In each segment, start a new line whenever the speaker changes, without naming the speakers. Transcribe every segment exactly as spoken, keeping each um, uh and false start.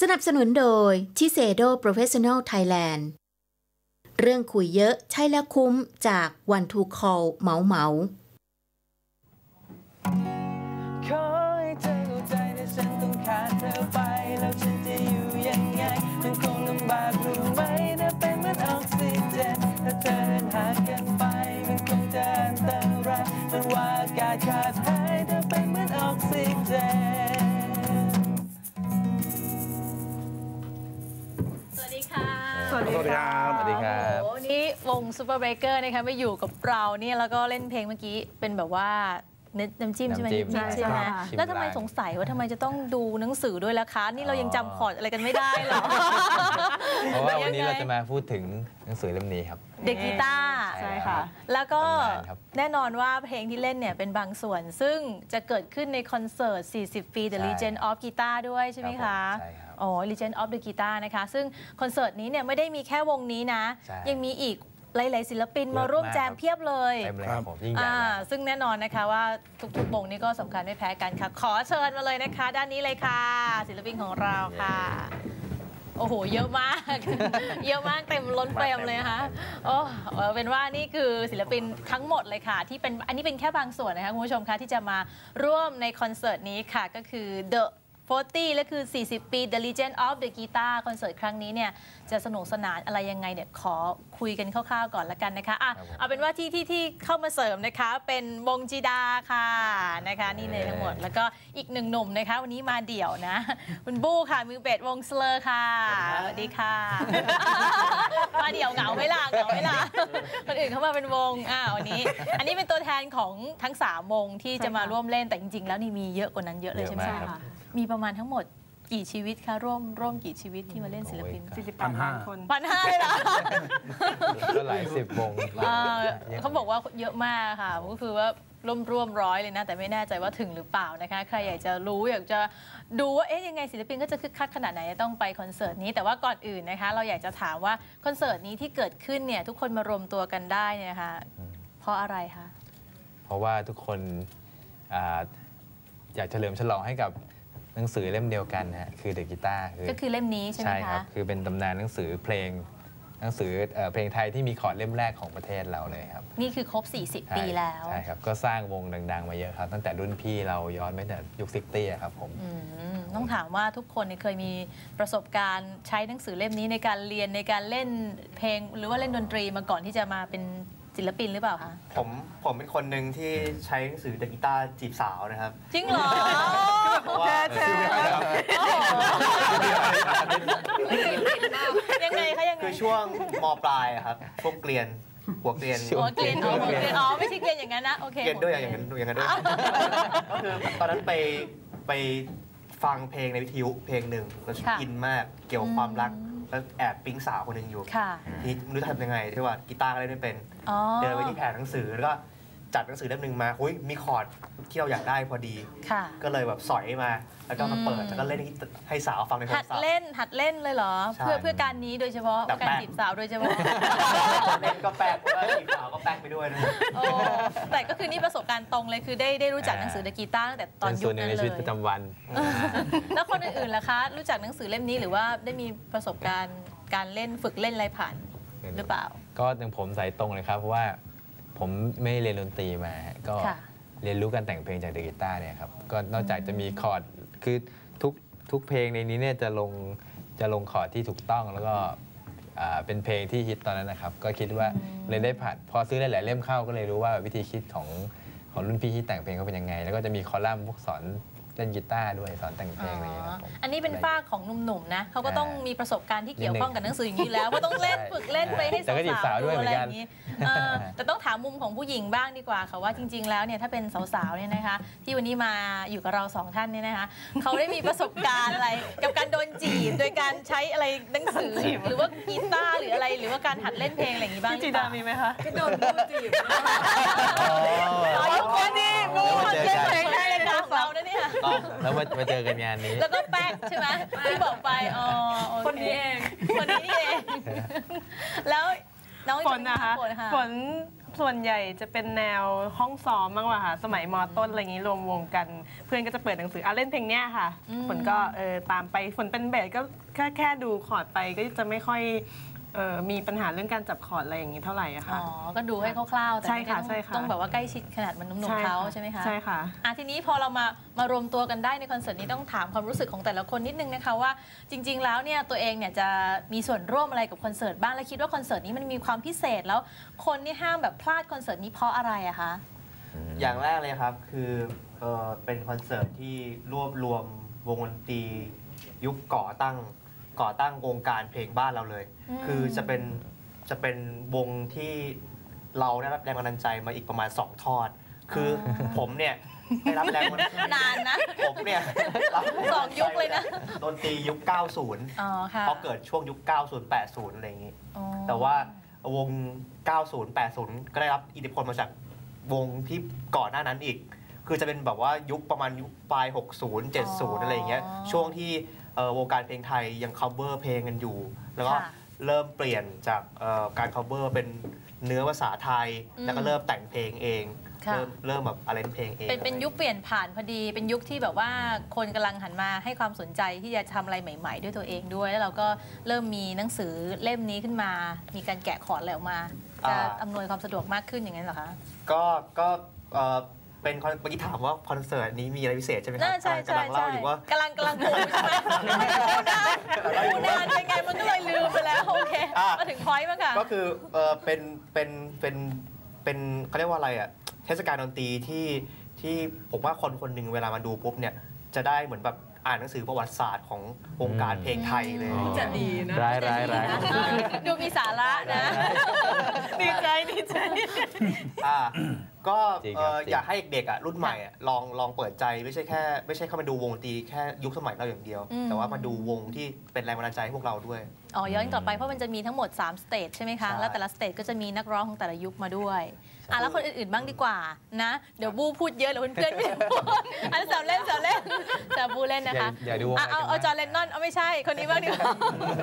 นับสนุนโดยชิเซโดโปรเฟสชั่นอลไทยแลนด์เรื่องคุยเยอะใช่แล้วคุ้มจากวันทูคอลเมาเมา
ขอให้เธอเข้าใจในฉันต้องขาดเธอไปแล้วฉันจะอยู่ยังไงมันคงลำบากรู้ไหมถ้าเป็นเหมือนออกซิเจนถ้าเธอเดินห่างกันไปมันคงจะอันตรายมันว่าอากาศขาดหายถ้าเป็นเหมือนออกซิเจน
สวัสดีค่ะ
สวัสดีครับสวัสดีครับ
โอ้โหนี่วงซูเปอร์เบเกอร์นะคะมาอยู่กับเราเนี่ยแล้วก็เล่นเพลงเมื่อกี้เป็นแบบว่าน้ำจิ้มใช่ไหมนิดใช่ไหมแล้วทำไมสงสัยว่าทำไมจะต้องดูหนังสือด้วยล่ะคะนี่เรายังจำคอร์ดอะไรกันไม่ได้หรอ
เพราะว่าวันนี้เราจะมาพูดถึงหนังสือเล่มนี้ครับ
เด็กกีตาร์
ใช่ค่ะ
แล้วก็แน่นอนว่าเพลงที่เล่นเนี่ยเป็นบางส่วนซึ่งจะเกิดขึ้นในคอนเสิร์ตสี่สิบปี The Legend of Guitar ด้วยใช่ไหมคะ
ใช่ครับ
อ๋อ Legend of the Guitar นะคะซึ่งคอนเสิร์ตนี้เนี่ยไม่ได้มีแค่วงนี้นะยังมีอีกหลายๆศิลปินมาร่วมแจมเพียบเลย
เต็มเลยครับผมยิ่งใหญ่
ซึ่งแน่นอนนะคะว่าทุกๆวงนี้ก็สำคัญไม่แพ้กันค่ะขอเชิญมาเลยนะคะด้านนี้เลยค่ะศิลปินของเราค่ะโอ้โหเยอะมากเยอะมากเต็มล้นเฟรมเลยนะคะโอ้เป็นว่านี่คือศิลปินทั้งหมดเลยค่ะที่เป็นอันนี้เป็นแค่บางส่วนนะคะคุณผู้ชมคะที่จะมาร่วมในคอนเสิร์ตนี้ค่ะก็คือ Theสี่สิบและคือสี่สิบปี The Legend of the Guitar คอนเสิร์ตครั้งนี้เนี่ยจะสนุกสนานอะไรยังไงเนี่ยขอคุยกันคร่าวๆก่อนละกันนะคะอ่ะเอาเป็นว่าที่ที่ที่เข้ามาเสริมนะคะเป็นวงจีดาค่ะนะคะนี่เลยทั้งหมดแล้วก็อีกหนึ่งหนุ่มนะคะวันนี้มาเดี่ยวนะคุณบู้ค่ะมือเบสวงสเลอร์ค่ะสวัสดีค่ะมาเดี่ยวเหงาไม่ล่ะเหงาไม่ล่ะคนอื่นเข้ามาเป็นวงอ่าวันนี้อันนี้เป็นตัวแทนของทั้งสามวงที่จะมาร่วมเล่นแต่จริงๆแล้วนี่มีเยอะกว่านั้นเยอะเลยใช่ไหมคะมีประมาณทั้งหมดกี่ชีวิตคะร่วมร่วมกี่ชีวิตที่มาเล่นศิลปิน
สี่สิบแปดล้านคน
พันห้าเลยเหรอ
ก็หลายสิบวง
เขาบอกว่าเยอะมากค่ะก็คือว่าร่วมร่วมร้อยเลยนะแต่ไม่แน่ใจว่าถึงหรือเปล่านะคะใครอยากจะรู้อยากจะดูว่าเอ๊ะยังไงศิลปินก็จะคึกคักขนาดไหนต้องไปคอนเสิร์ตนี้แต่ว่าก่อนอื่นนะคะเราอยากจะถามว่าคอนเสิร์ตนี้ที่เกิดขึ้นเนี่ยทุกคนมารวมตัวกันได้เนี่ยนะคะเพราะอะไรคะ
เพราะว่าทุกคนอยากเฉลิมฉลองให้กับหนังสือเล่มเดียวกันนะฮะคือ The Guitar
ก็คือเล่มนี้ใช่ไหมคะ
ใช่ครับคือเป็นตำนานหนังสือเพลงหนังสือเพลงไทยที่มีคอร์ดเล่มแรกของประเทศเราเลยครับ
นี่คือครบสี่สิบปีแล้ว
ใช่ครับก็สร้างวงดังๆมาเยอะครับตั้งแต่รุ่นพี่เราย้อนไปแต่ยุคซิกตี้ครับผม
ต้องถามว่าทุกคนเคยมีประสบการณ์ใช้หนังสือเล่มนี้ในการเรียนในการเล่นเพลงหรือว่าเล่นดนตรีมาก่อนที่จะมาเป็นศิลปินหรือเปล่าคะ
ผมผมเป็นคนหนึ่งที่ใช้หนังสือเดอะกีตาร์จีบสาวนะครับ
จริงเหรอ
แท้
ยังไงคะยังไง
คือช่วงม.ปลายครับพวกเกลียนหัวเกลียน
หัวเกลียนหัวเกลียนอ๋อไม่ใช่เกลียนอย่างนั้นนะโอเค
เกลียนด้วยอย่างนั้นอย่างนั้นด้วยก็คือตอนนั้นไปไปฟังเพลงในวิทยุเพลงหนึ่งแล้วอินมากเกี่ยวกับความรักแล้วแอบปิ๊งสาวคนหนึ่งอยู่นี่ไม่รู้จะทำยังไงที่ว่ากีตาร์ก็เล่นไม่เป็นเดินไปที่แผงหนังสือแล้วก็จัดหนังสือเล่มหนึ่งมาอุ้ยมีคอร์ดที่เราอยากได้พอดีก็เลยแบบสอยมาแล้วก็มาเปิดแล้วก็เล่นให้สาวฟังในโทรศัพท์
หัดเล่นหัดเล่นเลยเหรอเพื่อเพื่อการนี้โดยเฉพาะการจีบสาวโดยเฉพาะ
เล่นก็แป๊กแล้วจีบสาวก็แป๊กไปด้วยนะ
แต่ก็คือนี่ประสบการณ์ตรงเลยคือได้ได้รู้จักหนังสือเดอะกีตาร์ตั้งแต่ตอนยุคนั้นเลย
ในชีวิตประจำวัน
แล้วคนอื่นๆล่ะคะรู้จักหนังสือเล่มนี้หรือว่าได้มีประสบการณ์การเล่นฝึกเล่นอะไรผ่านหรือเปล่า
ก็อย่างผมสายตรงเลยครับเพราะว่าผมไม่เรียนดนตรีมาก็เรียนรู้การแต่งเพลงจากเดอะกีตาร์เนี่ยครับก็นอกจากจะมีคอร์ดคือทุกทุกเพลงในนี้เนี่ยจะลงจะลงคอร์ดที่ถูกต้องแล้วก็เป็นเพลงที่ฮิตตอนนั้นนะครับก็คิดว่าเลยได้ผ่านพอซื้อหลายๆเล่มเข้าก็เลยรู้ว่าวิธีคิดของของรุ่นพี่ที่แต่งเพลงเขาเป็นยังไงแล้วก็จะมีคอลัมน์พวกสอนเล่นกีตาร์ด้วยสอนแต่งเพลงอะไรอย่างเงี้ยครับ
อันนี้เป็นฝ้าของหนุ่มๆนะเขาก็ต้องมีประสบการณ์ที่เกี่ยวข้องกับหนังสืออย่างนี้แล้วก็ต้องเล่นฝึกเล่นไปให้สาวๆดูอะไรอย่างนี้แต่ต้องถามมุมของผู้หญิงบ้างดีกว่าค่ะว่าจริงๆแล้วเนี่ยถ้าเป็นสาวๆเนี่ยนะคะที่วันนี้มาอยู่กับเราสองท่านเนี่ยนะคะเขาได้มีประสบการณ์อะไรกับการโดนจีบโดยการใช้อะไรหนังสือหรือว่ากีตาร์หรืออะไรหรือว่าการหัดเล่นเพลงอะไรอย่างนี้บ้าง
จีดามีไหมคะ
โดนบูจีบอ๋อคนนี้บูเล่นเพลงได้เลยนะเราเนี่ย
แล้วมาเจอกันงานนี้
แล้วก็แป๊กใช่ไหมที่บอกไปอ๋อ
คนนี้เอง
คนนี้เองแล้วน้อง
ฝนนะคะฝนส่วนใหญ่จะเป็นแนวห้องซ้อมมากกว่าค่ะสมัยม.ต้นอะไรอย่างนี้รวมวงกันเพื่อนก็จะเปิดหนังสืออ่ะเล่นเพลงเนี้ยค่ะฝนก็เออตามไปฝนเป็นเบสก็แค่แค่ดูคอร์ดไปก็จะไม่ค่อยเออมีปัญหาเรื่องการจับคอร์ดอะไรอย่างนี้เท่าไหร่อะค่ะ
อ๋อก็ดูให้คร่าวๆแต่
ใช่
ไม่
ค่ะ
ได้
ใช่ค่ะ
ต้องแบบว่าใกล้ชิดขนาดมันหนุ่มๆเขาใช่ไหมคะ
ใช่ค่ะ
อ่ะทีนี้พอเรามามารวมตัวกันได้ในคอนเสิร์ตนี้ต้องถามความรู้สึกของแต่ละคนนิดนึงนะคะว่าจริง ๆ แล้วเนี่ยตัวเองเนี่ยจะมีส่วนร่วมอะไรกับคอนเสิร์ตบ้างและคิดว่าคอนเสิร์ตนี้มันมีความพิเศษแล้วคนนี่ห้ามแบบพลาดคอนเสิร์ตนี้เพราะอะไรอะคะ
อย่างแรกเลยครับคือเออเป็นคอนเสิร์ตที่รวบรวมวงดนตรียุคก่อตั้งก่อตั้งวงการเพลงบ้านเราเลยคือจะเป็นจะเป็นวงที่เราได้รับแรงบันดาลใจมาอีกประมาณสองทอดคือผมเนี่ยได้รับแรงบันดาลใจ
นานนะ
ผมเนี่ย
สองยุคเลยนะ
ดนตรียุคเก้าสิบเพราะเกิดช่วงยุคเก้าสิบ แปดสิบอะไรอย่างนี้แต่ว่าวงเก้าสิบ แปดสิบก็ได้รับอิทธิพลมาจากวงที่ก่อนหน้านั้นอีกคือจะเป็นแบบว่ายุคประมาณยุคปลายหกสิบ เจ็ดสิบอะไรอย่างเงี้ยช่วงที่วงการเพลงไทยยัง cover เพลงกันอยู่แล้วก็เริ่มเปลี่ยนจากการ cover เป็นเนื้อภาษาไทยแล้วก็เริ่มแต่งเพลงเองเริ่มเริ่มแบบอะไรเพลงเอง
เป็นเป็นยุคเปลี่ยนผ่านพอดีเป็นยุคที่แบบว่าคนกำลังหันมาให้ความสนใจที่จะทำอะไรใหม่ๆด้วยตัวเองด้วยแล้วเราก็เริ่มมีหนังสือเล่มนี้ขึ้นมามีการแกะคอร์ดอะไรออกมาจะอำนวยความสะดวกมากขึ้นอย่างนั้นเหรอคะ
ก็ก็เป็นเมื่อกี้ถามว่าคอนเสิร์ตนี้มีอะไรพิเศษใช่ไหมครับ
ใช่
กำลังเล่าอยู่ว่าก
ำลังกำลังปูใช่ไหมปูนานเป็นไงมันก็เลยลืมไปแล้วโอเคมาถึงพอยต์มั้งค่ะ
ก็คือเป็นเป็นเป็นเป็นเขาเรียกว่าอะไรอ่ะเทศกาลดนตรีที่ที่ผมว่าคนคนหนึ่งเวลามาดูปุ๊บเนี่ยจะได้เหมือนแบบอ่านหนังสือประวัติศาสตร์ของวงการเพลงไทยเลย
จะดีนะ
ร้ายร้ายร้าย
ดูมีสาระนะ
ดีใจดีใจ
อ่าก็อยากให้เด็กๆอ่ะรุ่นใหม่อ่ะลองลองเปิดใจไม่ใช่แค่ไม่ใช่เข้ามาดูวงดนตรีแค่ยุคสมัยเราอย่างเดียวแต่ว่ามาดูวงที่เป็นแรงบันดาลใจให้พวกเราด้วย
อ๋อย้อนกลับไปเพราะมันจะมีทั้งหมดสามสเตจใช่ไหมคะแล้วแต่ละสเตจก็จะมีนักร้องของแต่ละยุคมาด้วยอ่ะแล้วคนอื่นๆบ้างดีกว่านะเดี๋ยวบูพูดเยอะเดี๋ยวเพื่อนๆไม่พูดอันแซวเล่นแซวเล่นแซวบูเล่นนะคะ
อย่าดู
เอาเอาจอร์แดนนอนเอาไม่ใช่คนนี้บ้างดีกว่า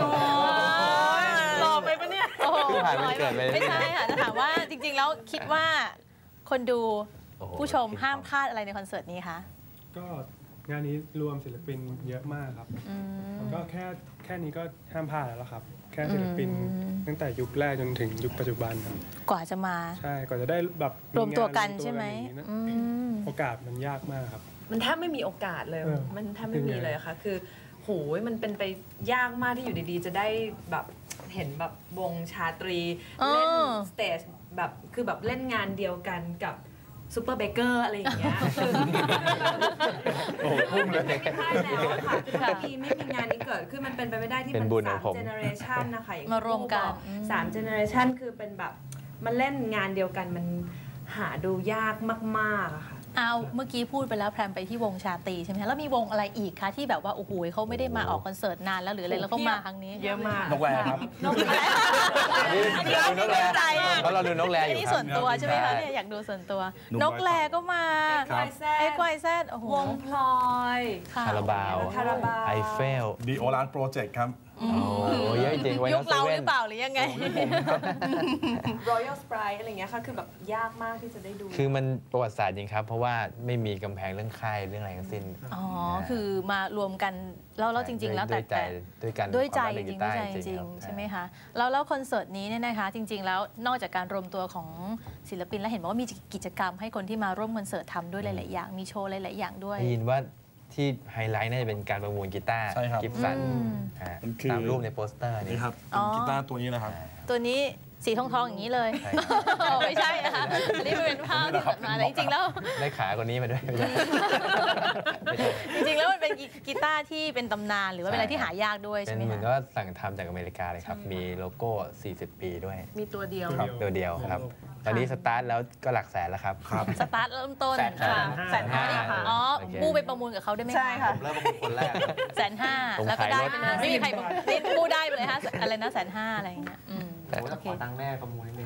หล่อไปปะเนี่ย
ไม่ใช่ค่ะจะถามว่าจริงๆแล้วคิดว่าคนดูผู้ชมห้ามพลาดอะไรในคอนเสิร์ตนี้คะ
ก็งานนี้รวมศิลปินเยอะมากครับก็แค่แค่นี้ก็ห้ามพลาดแล้วครับแค่ศิลปินตั้งแต่ยุคแรกจนถึงยุคปัจจุบันครับ
กว่าจะมา
ใช่กว่าจะได้แบบ
รวมตัวกันใช่ไหม
โอกาสมันยากมากครับ
มันแทบไม่มีโอกาสเลยมันแทบไม่มีเลยค่ะคือโหยมันเป็นไปยากมากที่อยู่ดีๆจะได้แบบเห็นแบบวงชาตรีเล่นสเตจแบบคือแบบเล่นงานเดียวกันกับซูเปอร์เบเกอร์อะไรอย่างเงี้ย
โอ้พุ่งเลย
ไม่ได้แล้วค่ะคือไม่มีไม่มีงานนี้เกิดคือมันเป็นไปไม่ได้ที่มันสามเจเนอเรชันนะคะ
มารวมกัน
สามเจเนอเรชันคือเป็นแบบมันเล่นงานเดียวกันมันหาดูยากมากๆอะค่ะ
เอาเมื่อกี้พูดไปแล้วแพรมไปที่วงชาตรีใช่ไหมคะแล้วมีวงอะไรอีกคะที่แบบว่าโอ้โหเขาไม่ได้มาออกคอนเสิร์ตนานแล้วหรืออะไรแล้วก็มาครั้งนี้
เยอะมาก
นกแร่ครับ
นกแร่อันนี้เราดูใจ
เพราะเราดูนกแร่อยู่
นี่ส่วนตัวใช่ไหมคะเนี่ยอยากดูส่วนตัวนกแร่ก็มาเอ็กไวแซดโอ้โห
วงพลอย
คาราบาวไอเฟล
ดีโอรานโปรเจกต์ครับ
โอ้เยอะจริง
ยุคเราหรือเปล่าหรือยังไง
Royal Sprite อะไรเงี้ยค่ะคือแบบยากมากที่จะได้ดู
คือมันประวัติศาสตร์จริงครับเพราะว่าไม่มีกำแพงเรื่องค่ายเรื่องอะไรทั้งสิ้น
อ๋อคือมารวมกันแล้วแล้วจริงๆแล้วแต่
แต่ด้วยกัน
ด้วยใจจริงด้วยใจจริงใช่ไหมคะแล้วแล้วคอนเสิร์ตนี้เนี่ยนะคะจริงๆแล้วนอกจากการรวมตัวของศิลปินแล้วเห็นว่ามีกิจกรรมให้คนที่มาร่วมคอนเสิร์ตทำด้วยหลายๆอย่างมีโชว์หลายๆอย่างด้วย
ได้ยินว่าที่ไฮไลท์น่าจะเป็นการประมูลกีตาร์กิฟสันตามรูปในโปสเตอร์
นี่ครับกีตาร์ตัวนี้นะครับ
ตัวนี้สีทองทองอย่างนี้เลยไม่ใช่นะคะอันนี้เป็นภาพที่ตัดมาแต่จริงๆแล้ว
ได้ขาคนนี้มาด้วย
จริงๆแล้วมันเป็นกีตาร์ที่เป็นตำนานหรือว่าเป็นอะไรที่หายากด้วยใช่ไหมคะ
เป็นเหมือนก็สั่งทำจากอเมริกาเลยครับมีโลโก้สี่สิบปีด้วย
มีตัวเดียว
ตัวเดียวครับตอนนี้สตาร์ทแล้วก็หลักแสนแล้วครับ
สตาร์ทเริ่มต้น
แสนห้า
อ๋อบูไปประมูลกับเขาได้ไหม
ใช่ค่ะ
ผมเริ่มประมูลคนแรก
แสนห้าแล้วก็ได้ไปเลยไม่มีใครบูได้ไปเลยฮะอะไรนะแสนห้าอะไรอย่างเงี้ย
โอ้ยขอตังค์แม่ประมูลนิดนึง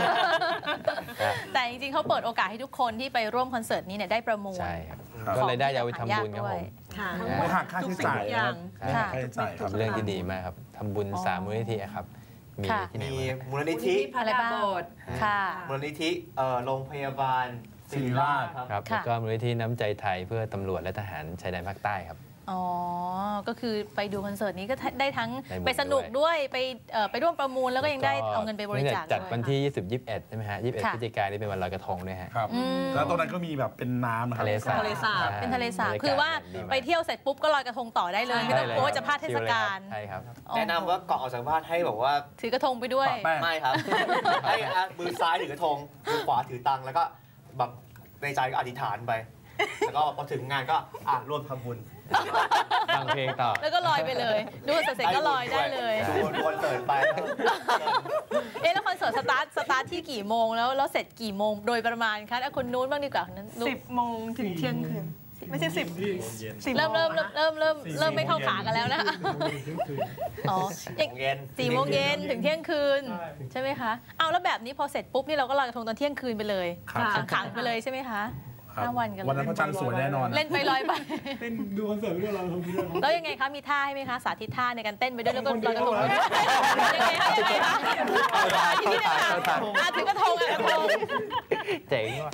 แต่จริงๆเขาเปิดโอกาสให้ทุกคนที่ไปร่วมคอนเสิร์ตนี้เนี่ยได้ประมูล
ใช่ครับก็เลยได้ยาไปทำบุญครับผม
ไม่หักค่าใช้จ่ายค่าใช้จ่าย
ครับเรื่องที่ดีมากครับทำบุญสามมูลนิธิครับมี
ค่ะ
ที่ไหน
มี
บ้าง
มูลนิธิ
อะไรบ้างค่ะ
มูลนิธิเอ่อโรงพยาบาลศิริราชครับ
ครับ
ค่ะ
แล้วก็มูลนิธิน้ำใจไทยเพื่อตำรวจและทหารชายแดนภาคใต้ครับ
อ๋อ ก็คือไปดูคอนเสิร์ตนี้ก็ได้ทั้ง
ได้หมด
ไปสนุก
ด้วย
ด้วยไปเอ่อไปร่วมประมูลแล้วก็ยังได้เอาเงินไปบริจาค
จัด
ด้วย
วันที่ ยี่สิบ ยี่สิบเอ็ด ใช่ไหมฮะ ยี่สิบเอ็ด
ค่ะ
พฤศจิกายนนี่เป็นวันลอยกระทงด้วยฮะ
ครับ
อืม
แล้วตรงนั้นก็มีแบบเป็นน้ำนะครับ
ทะเลสาบ
ทะเลสาบ
อ่
เป็นทะเลสาบบ
รรยกศ
คือว่า
ดีมก
ไปเที่ยวเสร็จปุ๊บก็ลอยกระทงต่อได้เลย ไม่ต้องกลัวว่าจะพลาดเทศกาล
ใช่ครับ
แนะนำว่าก่อนออกจากบ้านให้แบบว่า
ถือกระทงไปด้วย
ปะแป้ง
ไม่ครับ ให้อ่ะมือซ้ายถือกระทงมือขวาถือตังค์แล้วก็แบบในใจก็อธิษฐานไป แล้วก็พอถึงงานก็อ่ะร่วมทำบุญ
ฟังเพลงต่อ
แล้วก็ลอยไปเลย ดูคอนเสิร์ตเสร็จก็ลอยได้เลย
ดูคอนเสิร์ตไป
เอ๊ะแล้วคอนเสิร์ตสตาร์ทสตาร์ทที่กี่โมงแล้วแล้วเสร็จกี่โมงโดยประมาณคะอ่ะคนนู้นบ้างดีกว่าคนนั้นนุ๊ก
สิบโมงถึงเที่ยงคืนไม่ใช่สิบสิบ
เริ่มเริ่มเริ่มเริ่มเริ่มเริ่มไม่เข้าขากันแล้วนะ
เที่ยงคืน
อ๋อ
สี่โมงเย็น
สี่โมงเย็นถึงเที่ยงคืน
ใช่
ใช่ไหมคะเอาแล้วแบบนี้พอเสร็จปุ๊บนี่เราก็ลอยกระทงตอนเที่ยงคืนไปเลย
ครับ
ขังๆไปเลยใช่ไหมคะ
ครับ
ห้าวันกันเลย
วันนั้นพระจันทร์สวยแน่นอน
เล่นไปลอยไป
เต้นดูคอนเสิร์ตไปด้วยเราทำไปด้วย
แล้วยังไงคะ มีท่าให้ไหมคะ สาธิตท่าในการเต้นไปด้วยแล้วก็ลอยกระทงไปด้วยยังไงคะยังไงคะอ่ะทีนี้นะคะอ่ะถือกระทงอ่ะกระทง
เจ๋งว่ะ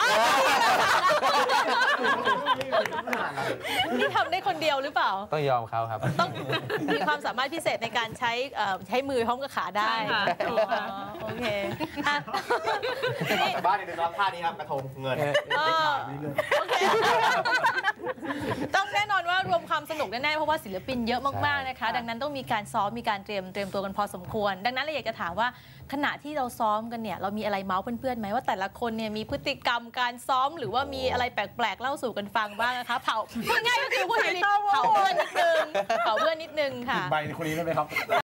นี่ทำได้คนเดียวหรือเปล่า
ต้องยอมเขาครับ
ต้องมีความสามารถพิเศษในการใช้เอ่อใช้มือพร้อมกับขาได้
ใช่ค่ะ
อ๋อโอเคอ่ะ
ออกจากบ้านเนี่ยนะครับท่านี้ครับกระทงเงิน
เออโอเคต้องแน่นอนว่ารวมความสนุกแน่ๆเพราะว่าศิลปินเยอะมากๆนะคะ ดังนั้นต้องมีการซ้อมมีการเตรียมเตรียมตัวกันพอสมควร ดังนั้นเราอยากจะถามว่าขณะที่เราซ้อมกันเนี่ยเรามีอะไรเมาส์เพื่อนๆไหมว่าแต่ละคนเนี่ยมีพฤติกรรมการซ้อมหรือว่ามีอะไรแปลกๆเล่าสู่กันฟังบ้างนะคะเผาพูดง่ายๆก็คือพูดอย่างนี้เผาเพื่อนนิดนึงเผาเพื่อนนิดนึงค่ะ
ใบในคนนี้ได้ไหมครับ